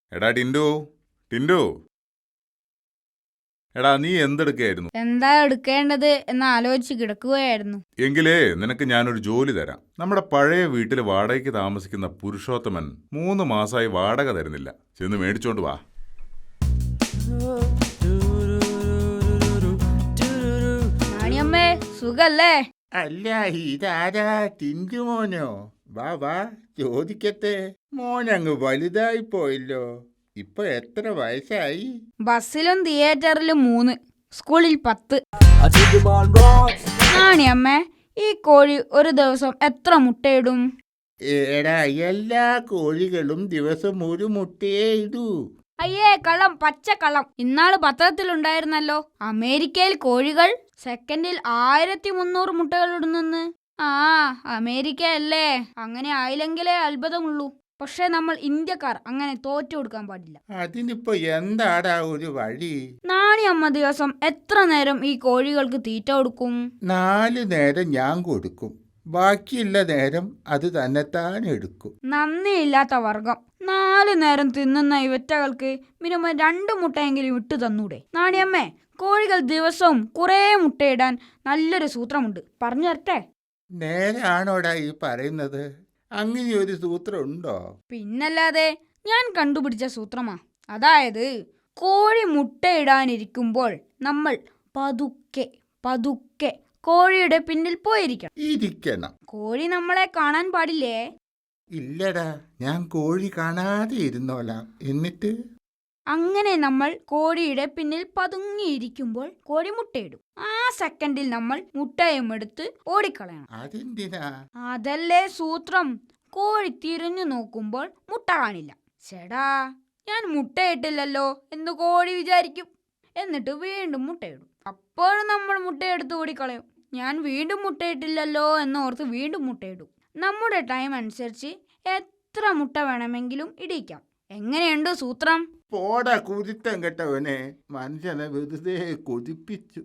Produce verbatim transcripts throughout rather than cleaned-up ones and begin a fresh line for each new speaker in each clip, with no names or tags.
എടാ ടിൻഡു ടിൻഡു എടാ നീ എന്തെടുക്കായിരുന്നു?
എന്താ എടുക്കേണ്ടത് എന്ന് ആലോചിച്ച് കിടക്കുകയായിരുന്നു.
എങ്കിലേ നിനക്ക് ഞാനൊരു ജോലി തരാം. നമ്മുടെ പഴയ വീട്ടിൽ വാടകയ്ക്ക് താമസിക്കുന്ന പുരുഷോത്തമൻ മൂന്ന് മാസമായി വാടക തരുന്നില്ല. ചെന്ന് മേടിച്ചോണ്ട് വാ.
നാണിയമ്മേ, സുഖല്ലേ?
അല്ല, ഇതാരാ? ടിൻഡു മോനോ? വാ വാ, ചോദിക്കട്ടെ. മോനങ്ങ് വലുതായി പോയല്ലോ. ഇപ്പൊ എത്ര വയസ്സായി?
ബസ്സിലും തിയേറ്ററിലും മൂന്ന്, സ്കൂളിൽ പത്ത്. നാണിയമ്മേ, ഈ കോഴി ഒരു ദിവസം എത്ര മുട്ടയിടും?
എടാ, എല്ലാ കോഴികളും ദിവസം ഒരു മുട്ടയേ ഇടൂ.
അയ്യേ, കള്ളം, പച്ചക്കള്ളം. ഇന്നാള് പത്രത്തിലുണ്ടായിരുന്നല്ലോ, അമേരിക്കയിൽ കോഴികൾ സെക്കൻഡിൽ ആയിരത്തി മുന്നൂറ് മുട്ടകൾ ഇടുന്നെന്ന്. ആ, അമേരിക്ക അല്ലേ? അങ്ങനെ ആയില്ലെങ്കിലേ അത്ഭുതമുള്ളൂ. പക്ഷെ നമ്മൾ ഇന്ത്യക്കാർ അങ്ങനെ തോറ്റു കൊടുക്കാൻ പാടില്ല.
അതിനിപ്പോ എന്താടാ ഒരു വഴി?
നാണിയമ്മ ദിവസം എത്ര നേരം ഈ കോഴികൾക്ക് തീറ്റ കൊടുക്കും?
നാല് നേരം ഞാൻ കൊടുക്കും, ബാക്കിയുള്ള നേരം അത് തന്നെത്താൻ എടുക്കും.
നന്ദിയില്ലാത്ത വർഗം. നാല് നേരം തിന്നുന്ന ഇവറ്റകൾക്ക് മിനിമം രണ്ട് മുട്ടയെങ്കിലും ഇട്ടു തന്നൂടെ? നാണിയമ്മേ, കോഴികൾ ദിവസവും കുറേ മുട്ടയിടാൻ നല്ലൊരു സൂത്രമുണ്ട്, പറഞ്ഞു തരട്ടെ?
നേരാണോടാ ഈ പറയുന്നത്? അങ്ങനെ ഒരു സൂത്രം ഉണ്ടോ?
പിന്നല്ലാതെ, ഞാൻ കണ്ടുപിടിച്ച സൂത്രമാ. അതായത്, കോഴി മുട്ടയിടാനിരിക്കുമ്പോൾ നമ്മൾ പതുക്കെ പതുക്കെ കോഴിയുടെ പിന്നിൽ പോയിരിക്കണം.
ഇരിക്കണം.
കോഴി നമ്മളെ കാണാൻ പാടില്ലേ?
ഇല്ലടാ, ഞാൻ കോഴി കാണാതെ ഇരുന്നോളാം. എന്നിട്ട്
അങ്ങനെ നമ്മൾ കോഴിയുടെ പിന്നിൽ പതുങ്ങിയിരിക്കുമ്പോൾ കോഴി മുട്ടയിടും. ആ സെക്കൻഡിൽ നമ്മൾ മുട്ടയും എടുത്ത് ഓടിക്കളയണം.
അതെന്തിനാ?
അതല്ലേ സൂത്രം. കോഴി തിരിഞ്ഞു നോക്കുമ്പോൾ മുട്ട കാണില്ല. ചേടാ, ഞാൻ മുട്ടയിട്ടില്ലല്ലോ എന്ന് കോഴി വിചാരിക്കും. എന്നിട്ട് വീണ്ടും മുട്ടയിടും. അപ്പോഴും നമ്മൾ മുട്ടയെടുത്ത് ഓടിക്കളയും. ഞാൻ വീണ്ടും മുട്ടയിട്ടില്ലല്ലോ എന്നോർത്ത് വീണ്ടും മുട്ടയിടും. നമ്മുടെ ടൈം അനുസരിച്ച് എത്ര മുട്ട വേണമെങ്കിലും ഇടിക്കാം. എങ്ങനെയുണ്ട് സൂത്രം?
പോടാ കുരുത്തം കെട്ടവനെ, മനുഷ്യനെ വെറുതെ കൊതിപ്പിച്ചു.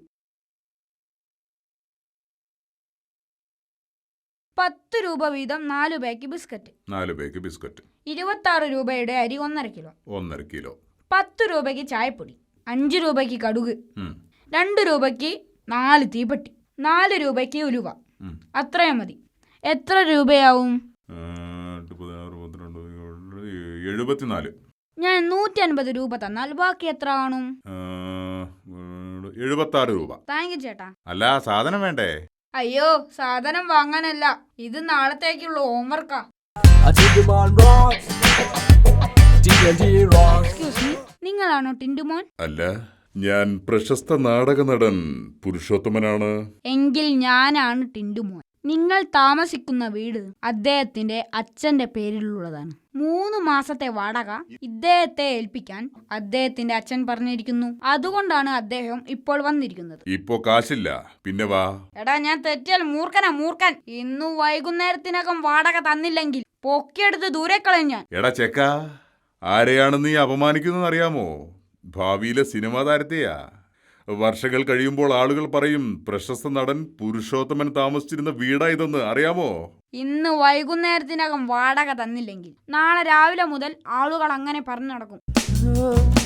പത്ത് രൂപ വീതം നാലു പാക്ക് ബിസ്ക്കറ്റ്.
നാല് പേക്ക് ബിസ്ക്കറ്റ്.
ഇരുപത്തി ആറ് രൂപയുടെ അരി ഒന്നര കിലോ.
ഒന്നര കിലോ.
പത്ത് രൂപയ്ക്ക് ചായപ്പൊടി. അഞ്ചു രൂപയ്ക്ക് കടുക്.
ഉം.
രണ്ട് രൂപയ്ക്ക് നാല് തീപ്പെട്ടി. നാല് രൂപയ്ക്ക് ഉലുവ.
ഉം.
അത്രയും മതി. എത്ര രൂപയാവും?
ആ, എട്ട്, പതിനാറ്, പന്ത്രണ്ട്, എഴുപത്തിനാല്.
ഞാൻ നൂറ്റി അൻപത് രൂപ തന്നാൽ ബാക്കി എത്ര കാണും?
ആ, എഴുപത്താറ് രൂപ.
താങ്ക് യു ചേട്ടാ.
അല്ല, സാധനം വേണ്ടേ?
അയ്യോ, സാധനം വാങ്ങാനല്ല, ഇത് നാളത്തേക്കുള്ള ഹോംവർക്കാ. എക്സ്ക്യൂസ് മീ, നിങ്ങളാണോ ടിൻഡുമോൻ?
അല്ല, ഞാൻ പ്രശസ്ത നാടക നടൻ പുരുഷോത്തമനാണ്.
എങ്കിൽ ഞാനാണ് ടിൻഡുമോൻ. നിങ്ങൾ താമസിക്കുന്ന വീട് അദ്ദേഹത്തിന്റെ അച്ഛന്റെ പേരിലുള്ളതാണ്. മൂന്ന് മാസത്തെ വാടക ഇദ്ദേഹത്തെ ഏൽപ്പിക്കാൻ അദ്ദേഹത്തിന്റെ അച്ഛൻ പറഞ്ഞിരിക്കുന്നു. അതുകൊണ്ടാണ് അദ്ദേഹം ഇപ്പോൾ വന്നിരിക്കുന്നത്.
ഇപ്പോ കാശില്ല, പിന്നെ വാ.
എടാ, ഞാൻ തെറ്റിയാൽ മൂർഖനാ മൂർഖൻ. ഇന്നു വൈകുന്നേരത്തിനകം വാടക തന്നില്ലെങ്കിൽ പൊക്കിയെടുത്ത് ദൂരെ കളയും ഞാൻ.
എടാ ചെക്ക, ആരെയാണ് നീ അപമാനിക്കുന്നത് അറിയാമോ? ഭാവിയിലെ സിനിമാ താരത്തെയാ. വർഷങ്ങൾ കഴിയുമ്പോൾ ആളുകൾ പറയും പ്രശസ്ത നടൻ പുരുഷോത്തമൻ താമസിച്ചിരുന്ന വീടാ ഇതെന്ന്, അറിയാമോ?
ഇന്ന് വൈകുന്നേരത്തിനകം വാടക തന്നില്ലെങ്കിൽ നാളെ രാവിലെ മുതൽ ആളുകൾ അങ്ങനെ പറഞ്ഞു നടക്കും.